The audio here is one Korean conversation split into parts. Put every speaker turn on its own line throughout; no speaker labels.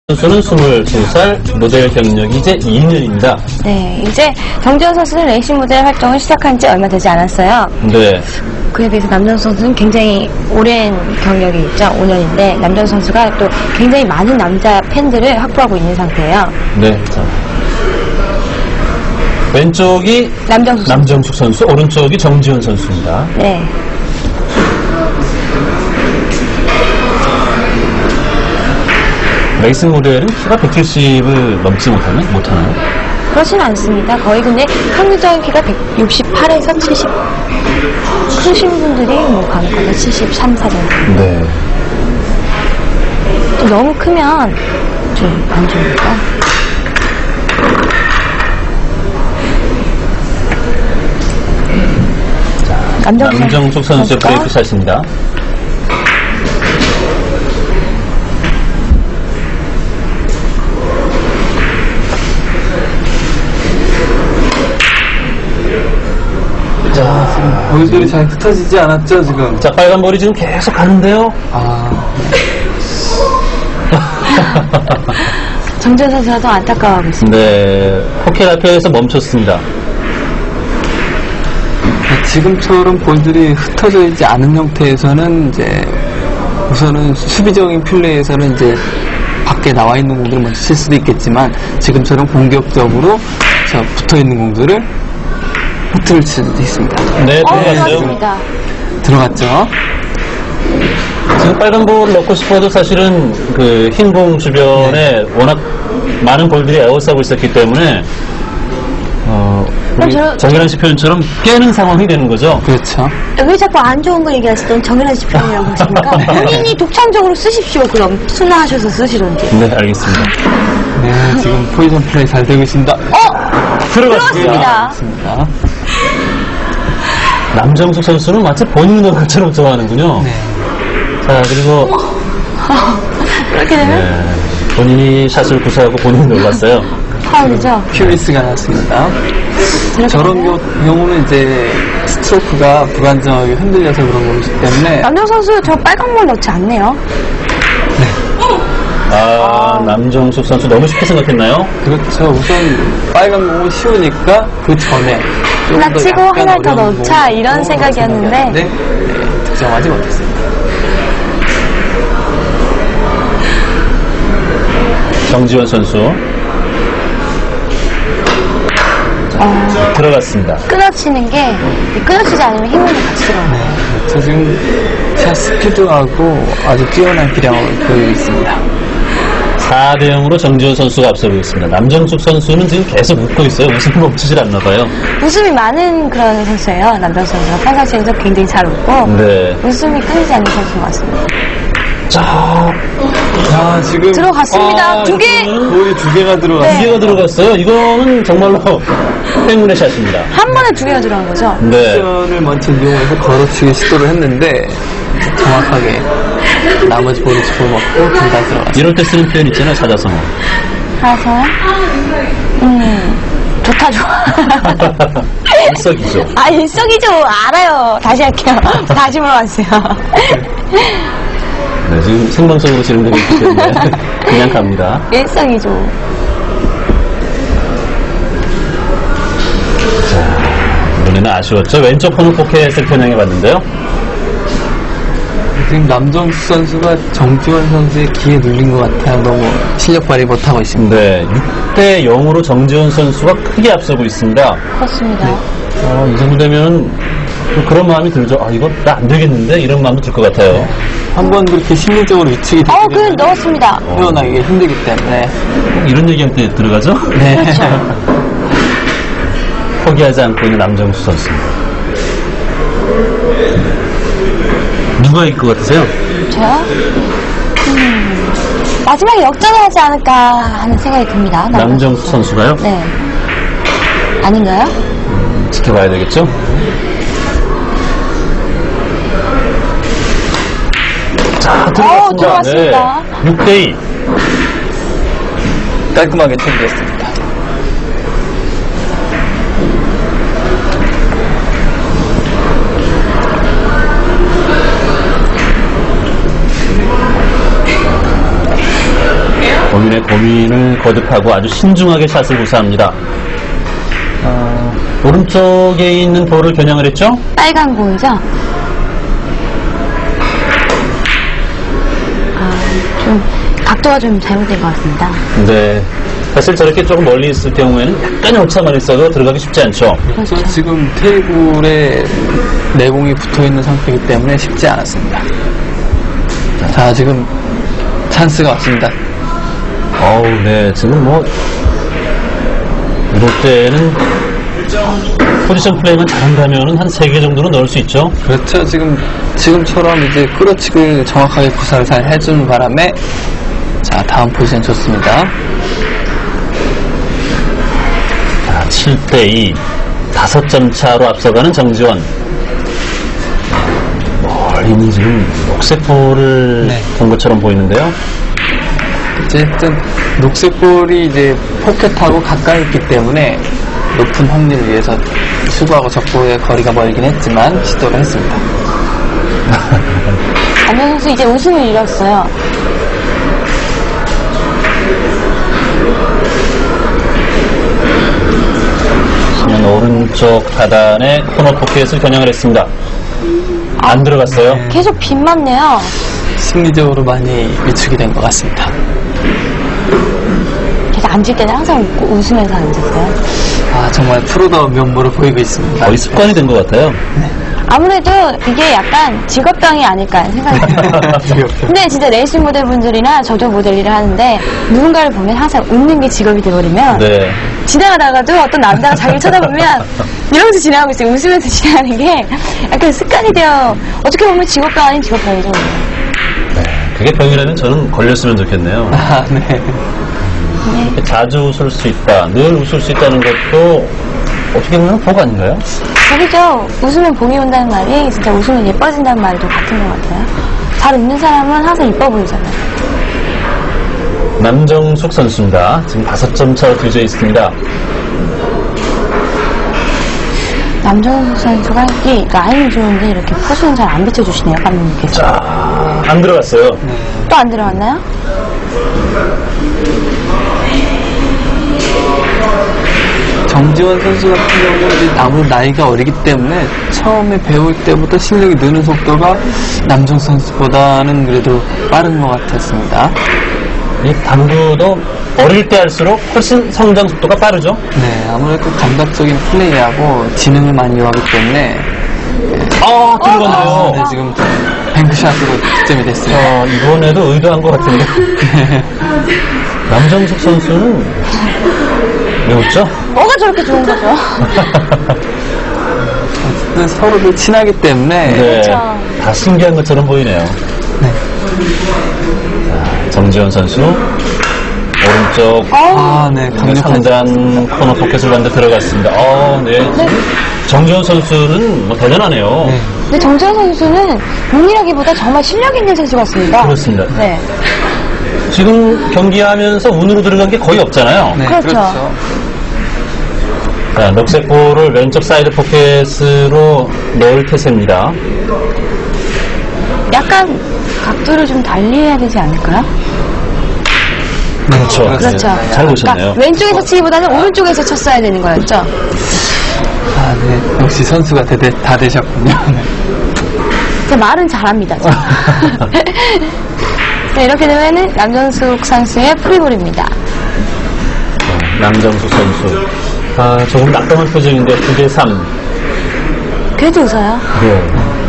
선수는 22살, 모델 경력이 이제 2년입니다.
네, 이제 정지현 선수는 레이싱 모델 활동을 시작한 지 얼마 되지 않았어요.
네.
그에 비해서 남정 선수는 굉장히 오랜 경력이 있죠. 5년인데 남정 선수가 또 굉장히 많은 남자 팬들을 확보하고 있는 상태예요.
네. 자. 왼쪽이 남정숙 선수, 오른쪽이 정지현 선수입니다.
네.
레이싱 모델은 키가 170을 넘지 못하나요?
그렇진 않습니다. 거의 근데 평균적인 키가 168에서 70. 크신 분들이 뭐 간혹가다 73, 4 정도.
네.
또 너무 크면 좀 안 좋으니까.
남정숙 선수의 브레이크 샷입니다.
자, 볼들이 잘 흩어지지 않았죠, 지금?
자, 빨간 볼이 지금 계속 가는데요.
정지현 선수가 더 안타까워하고 있습니다.
네. 포켓 앞에서 멈췄습니다.
지금처럼 볼들이 흩어져 있지 않은 형태에서는 이제 우선은 수비적인 플레이에서는 이제 밖에 나와 있는 공들을 먼저 칠 수도 있겠지만 지금처럼 공격적으로 붙어 있는 공들을 흐트를 칠 수도 있습니다.
네, 들어갔죠.
그렇습니다.
들어갔죠.
지금 빨간 볼을 넣고 싶어도 사실은 그 흰 공 주변에 워낙 많은 볼들이 에워싸고 있었기 때문에 우리 정현환 씨 표현처럼 깨는 상황이 되는 거죠.
그렇죠.
왜 자꾸 안 좋은 거 얘기하시던 정현환 씨 표현이라고 하십니까? 본인이 독창적으로 쓰십시오. 그럼 순화하셔서 쓰시던지.
네, 알겠습니다.
네, 지금 포지션 플레이 잘 되고 있습니다.
들어갔습니다.
그렇습니다.
남정숙 선수는 마치 본인이 넣은 것처럼 좋아하는군요.
네.
자, 그리고
그렇게 되면
네, 본인이 샷을 구사하고 본인이 놀랐어요.
파울이죠.
큐리스가 났습니다. 저런 경우는 이제 스트로크가 불안정하게 흔들려서 그런 거기 때문에
남정 선수 저 빨간 볼 넣지 않네요.
남정숙 선수 너무 쉽게 생각했나요?
그렇죠. 우선 빨간 공은 쉬우니까 그 전에
하나 치고 하나 더 넣자 이런 생각이었는데
네, 득점하지 못했습니다.
정지원 선수 들어갔습니다.
끊어치는 게 끊어치지 않으면 힘을 같이 들어가요.
저 지금 샷 스피드하고 아주 뛰어난 기량을 보이고 있습니다.
4대 0으로 정지원 선수가 앞서고 있습니다. 남정숙 선수는 지금 계속 웃고 있어요. 웃음이 멈추질 않나 봐요.
웃음이 많은 그런 선수예요. 남정 선수가 평상시에도 굉장히 잘 웃고
네.
웃음이 끊이지 않는 선수인 것 같습니다.
자,
지금
들어갔습니다. 두 개!
볼이 두 개가 들어갔어요.
두 개가 들어갔어요. 이거는 정말로 행운의 샷입니다.
한 번에 두 개가 들어간 거죠?
네.
옵션을 먼저 이용해서 걸어치기 시도를 했는데 정확하게 나머지 볼을 집어먹고 둘 다 들어갔어요.
이럴 때 쓰는 표현 있잖아요. 찾아서.
가서 좋다 좋아.
일석이조.
일석이조 알아요. 다시 할게요. 다시 물어봤어요.
네, 지금 생방송으로 진행되고 있기 때문에 그냥 갑니다.
일석이조.
이번에는 아쉬웠죠. 왼쪽 코너 포켓을 편향해봤는데요.
지금 남정수 선수가 정지원 선수의 기에 눌린 것 같아요. 너무 실력 발휘 못하고 있습니다.
네, 6대 0으로 정지원 선수가 크게 앞서고 있습니다.
그렇습니다.
이 정도 되면 그런 마음이 들죠. 이거 나 안 되겠는데? 이런 마음도 들 것 같아요.
한번 그렇게 심리적으로 위축이 되면
그건 넣었습니다.
헤어나기 힘들기 때문에
이런 얘기할 때 들어가죠?
네.
포기하지 않고 있는 남정수 선수입니다. 누가 이길 것 같으세요?
저요? 마지막에 역전을 하지 않을까 하는 생각이 듭니다.
남정수 선수가요?
네. 아닌가요?
지켜봐야 되겠죠? 자, 들어갔습니다.
들어갔습니다.
네. 6대2.
깔끔하게 처리했습니다.
본인의 약간의 고민을 거듭하고 아주 신중하게 샷을 구사합니다. 오른쪽에 있는 볼을 겨냥을 했죠?
빨간 공이죠? 좀 각도가 좀 잘못된 것 같습니다.
네. 사실 저렇게 조금 멀리 있을 경우에는 약간의 오차만 있어도 들어가기 쉽지 않죠.
그래서 지금 테이블에 내공이 붙어있는 상태이기 때문에 쉽지 않았습니다. 자, 지금 찬스가 왔습니다.
어우, 네. 지금 뭐, 이럴 때는 포지션 플레이만 잘한다면 한 3개 정도는 넣을 수 있죠.
그렇죠. 지금처럼 이제 끌어치기를 정확하게 구사를 잘 해주는 바람에 자, 다음 포지션 좋습니다.
자, 7대2. 5점 차로 앞서가는 정지원. 멀리는 지금 녹색 볼을
네.
본 것처럼 보이는데요.
어쨌든 녹색볼이 이제 포켓하고 가까이 있기 때문에 높은 확률을 위해서 수구하고 적구의 거리가 멀긴 했지만 시도를 했습니다.
남현 선수 이제 웃음을 잃었어요.
신현 오른쪽 하단에 코너 포켓을 겨냥을 했습니다. 안 들어갔어요.
네.
계속 빗만 내요.
심리적으로 많이 위축이 된 것 같습니다.
계속 앉을 때는 항상 웃으면서 앉았어요.
아, 정말 프로다운 면모를 보이고 있습니다.
거의 습관이 된 것 같아요.
아무래도 이게 약간 직업병이 아닐까 하는 생각이 들어요. 근데 진짜 레이싱 모델분들이나 저도 모델 일을 하는데 누군가를 보면 항상 웃는 게 직업이 돼버리면
네.
지나가다가도 어떤 남자가 자기를 쳐다보면 이러면서 지나가고 있어요. 웃으면서 지나가는 게 약간 습관이 되어 어떻게 보면 직업병 아닌 직업병이죠.
그게 병이라면 저는 걸렸으면 좋겠네요.
아, 네.
이렇게 자주 웃을 수 있다, 늘 웃을 수 있다는 것도 어떻게 보면 복 아닌가요?
저기죠. 웃으면 봄이 온다는 말이 진짜 웃으면 예뻐진다는 말도 같은 것 같아요. 잘 웃는 사람은 항상 이뻐 보이잖아요.
남정숙 선수입니다. 지금 5점 차로 뒤져 있습니다.
남정숙 선수가 이 라인이 좋은데 이렇게 포수는 잘 안 비춰주시네요, 감독님께서.
자, 안 들어갔어요.
또 안 들어갔나요?
정지원 선수 같은 경우는 이제 아무래도 나이가 어리기 때문에 처음에 배울 때부터 실력이 느는 속도가 남정 선수보다는 그래도 빠른 것 같았습니다.
이 당구도 어릴 때 할수록 훨씬 성장 속도가 빠르죠?
네, 아무래도 감각적인 플레이하고 지능을 많이 요하기 때문에
들어갔네요.
네, 지금 뱅크샷으로 득점이 됐어요.
이번에도 의도한 것 같은데. 남정숙 선수는 왜 웃죠?
뭐가 저렇게 좋은 거죠?
어쨌든 서로들 친하기 때문에
네,
그렇죠.
다 신기한 것처럼 보이네요.
네.
자, 정지원 선수 오른쪽
네, 강력한
상단 코너 포켓을 만들 들어갔습니다. 네. 정지원 선수는 뭐 대단하네요.
네.
근데 정재현 선수는 운이라기보다 정말 실력 있는 선수 같습니다.
그렇습니다.
네.
지금 경기하면서 운으로 들어간 게 거의 없잖아요.
네,
그렇죠.
자, 녹색 볼을 왼쪽 사이드 포켓으로 넣을 태세입니다.
약간 각도를 좀 달리 해야 되지 않을까요?
그렇죠.
그렇죠.
잘 보셨네요.
그러니까 왼쪽에서 치기보다는 오른쪽에서 쳤어야 되는 거였죠?
아, 네. 역시 선수가 다 되셨군요. 네.
제 말은 잘합니다. 네, 이렇게 되면은 남정숙 선수의 프리볼입니다.
남정숙 선수. 조금 낙담한 표정인데 9대3.
그래도 웃어요.
네.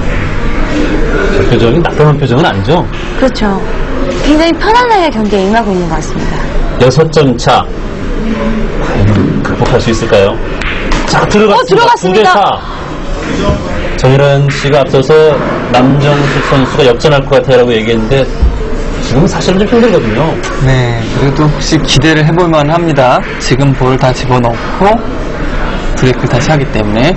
저 표정이 낙담한 표정은 아니죠?
그렇죠. 굉장히 편안하게 경기에 임하고 있는 것 같습니다.
6점 차. 과연 극복할 수 있을까요? 자, 들어갔습니다. 9대4. 정일환 씨가 앞서서 남정숙 선수가 역전할 것 같아라고 얘기했는데 지금은 사실은 좀 힘들거든요.
네, 그래도 혹시 기대를 해볼만 합니다. 지금 볼을 다 집어넣고 브레이크를 다시 하기 때문에.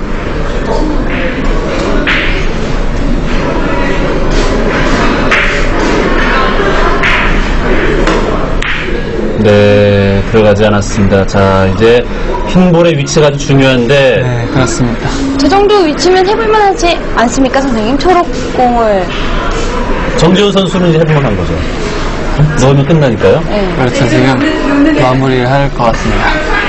네, 들어가지 않았습니다. 자, 이제 흰볼의 위치가 아주 중요한데
네, 그렇습니다.
저 정도 위치면 해볼만 하지 않습니까, 선생님? 초록공을.
정지훈 선수는 이제 해볼만한 거죠. 넣으면 끝나니까요.
네.
그렇죠. 지금 마무리를 할 것 같습니다.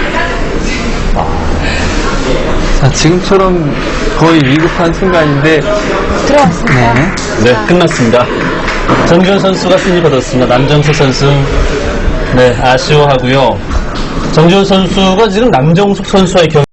자, 지금처럼 거의 위급한 순간인데,
들어갔습니다.
네.
네, 끝났습니다. 정지훈 선수가 승리 거뒀습니다. 남정숙 선수, 네, 아쉬워하고요. 정지훈 선수가 지금 남정숙 선수와의 경기